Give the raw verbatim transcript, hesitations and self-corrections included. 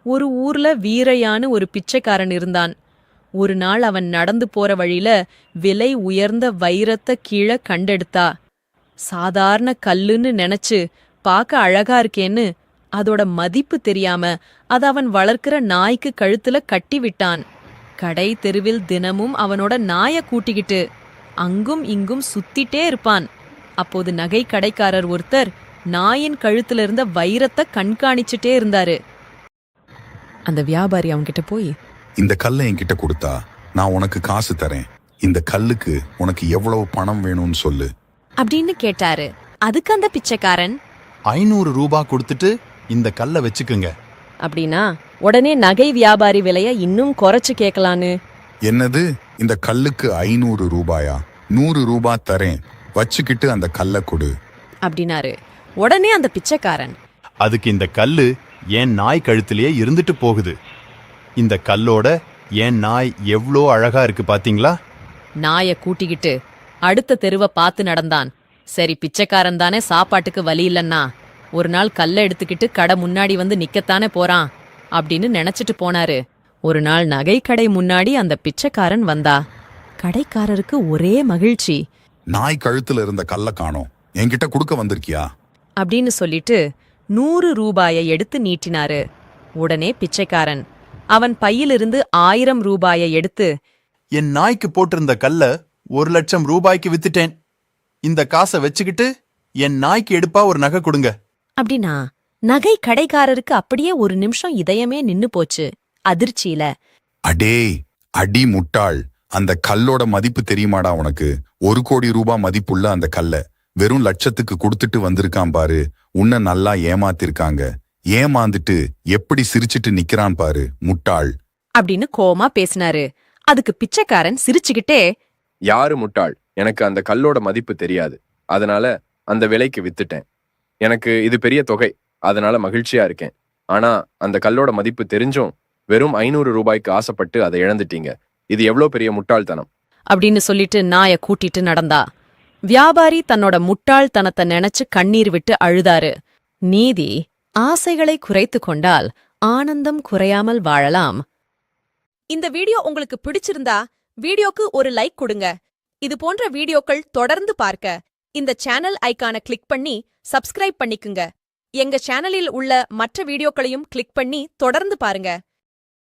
ஒரு ஊர்ல வீரையான்னு ஒரு பிச்சைக்காரன் இருந்தான். ஒரு நாள் அவன் நடந்து போற வழியில விலை உயர்ந்த வைரத்தை கீழே கண்டெடுத்தா. சாதாரண கல்லுன்னு நினைச்சு பார்க்க அழகா இருக்கேன்னு அதோட மதிப்பு தெரியாம அத அவன் வளர்க்கிற நாய்க்கு கழுத்துல கட்டி விட்டான். கடை தெருவில் தினமும் அவனோட நாய கூட்டிக்கிட்டு அங்கும் இங்கும் சுத்திட்டே இருப்பான். அப்போது நகை கடைக்காரர் ஒருத்தர் நாயின் கழுத்துல இருந்த வைரத்தை கண்காணிச்சுட்டே இருந்தாரு. அந்த வியாபாரி அவன்கிட்ட போய், இந்த கல்லை என்கிட்ட கொடுத்தா நான் உனக்கு காசு தரேன். இந்த கல்லுக்கு உனக்கு எவ்வளவு பணம் வேணும்னு சொல்லு அப்படின்னு கேட்டாரு. அதுக்கு அந்த பிச்சைக்காரன், ஐநூறு ரூபாய் கொடுத்துட்டு இந்த கல்லை வச்சுக்குங்க அப்படின்னா உடனே நகை வியாபாரி விலைய இன்னும் குறைச்சு கேட்கலான்னு. என்னது, இந்த கல்லுக்கு ஐநூறு ரூபாயா? நூறு ரூபாய் தரேன், வச்சுக்கிட்டு அந்த கல்லை கொடு அப்படின்னாரு. உடனே அந்த பிச்சைக்காரன், அதுக்கு இந்த கல்லு என் நாய் கழுத்திலேயே இருந்துட்டு போகுது. இந்த கல்லோட என் நாய் எவ்வளோ அழகா இருக்கு பாத்தீங்களா? நாய கூட்டிக்கிட்டு அடுத்த தெருவை பார்த்து நடந்தான். சரி, பிச்சைக்காரன் தானே, சாப்பாட்டுக்கு வழி இல்லன்னா ஒரு நாள் கல்லை எடுத்துக்கிட்டு கடை முன்னாடி வந்து நிக்கத்தானே போறான் அப்படின்னு நினைச்சிட்டு போனாரு. ஒரு நாள் நகை கடை முன்னாடி அந்த பிச்சைக்காரன் வந்தா. கடைக்காரருக்கு ஒரே மகிழ்ச்சி. நாய் கழுத்துல இருந்த கல்லை காணோம், என்கிட்ட கொடுக்க வந்திருக்கியா அப்படின்னு சொல்லிட்டு நூறு ரூபாயை எடுத்து நீட்டினாரு. உடனே பிச்சைக்காரன் அவன் பையிலிருந்து ஆயிரம் ரூபாயை எடுத்து, என் நாய்க்கு போட்டிருந்த கல்ல ஒரு லட்சம் ரூபாய்க்கு வித்துட்டேன். இந்த காசை வச்சுக்கிட்டு என் நாய்க்கு எடுப்பா ஒரு நகை கொடுங்க அப்படின்னா நகை கடைக்காரருக்கு அப்படியே ஒரு நிமிஷம் இதயமே நின்னு போச்சு அதிர்ச்சியில. அடே அடி முட்டாள், அந்த கல்லோட மதிப்பு தெரியுமாடா உனக்கு? ஒரு கோடி ரூபாய் மதிப்புள்ள அந்த கல்லை வெறும் லட்சத்துக்கு கொடுத்துட்டு வந்திருக்கான் பாரு. உன்னை நல்லா ஏமாத்திருக்காங்க. ஏமாந்துட்டு எப்படி சிரிச்சிட்டு நிக்கிறான் பாரு, முட்டாள் அப்படின்னு கோமா பேசினாரு. அதுக்கு பிச்சைக்காரன் சிரிச்சுக்கிட்டே, யாரு முட்டாள்? எனக்கு அந்த கல்லோட மதிப்பு தெரியாது, அதனால அந்த விலைக்கு வித்துட்டேன். எனக்கு இது பெரிய தொகை, அதனால மகிழ்ச்சியா இருக்கேன். ஆனா அந்த கல்லோட மதிப்பு தெரிஞ்சும் வெறும் ஐநூறு ரூபாய்க்கு ஆசைப்பட்டு அதை இழந்துட்டீங்க. இது எவ்வளவு பெரிய முட்டாள்தனம் அப்படின்னு சொல்லிட்டு நாய கூட்டிட்டு நடந்தா. வியாபாரி தன்னோட முட்டாள்தனத்தை நினைச்சு கண்ணீர் விட்டு அழுதாரு. நீதி, ஆசைகளை குறைத்து கொண்டால் ஆனந்தம் குறையாமல் வாழலாம். இந்த வீடியோ உங்களுக்கு பிடிச்சிருந்தா வீடியோக்கு ஒரு லைக் கொடுங்க. இது போன்ற வீடியோக்கள் தொடர்ந்து பார்க்க இந்த சேனல் ஐகானை கிளிக் பண்ணி சப்ஸ்கிரைப் பண்ணிக்குங்க. எங்க சேனலில் உள்ள மற்ற வீடியோக்களையும் கிளிக் பண்ணி தொடர்ந்து பாருங்க.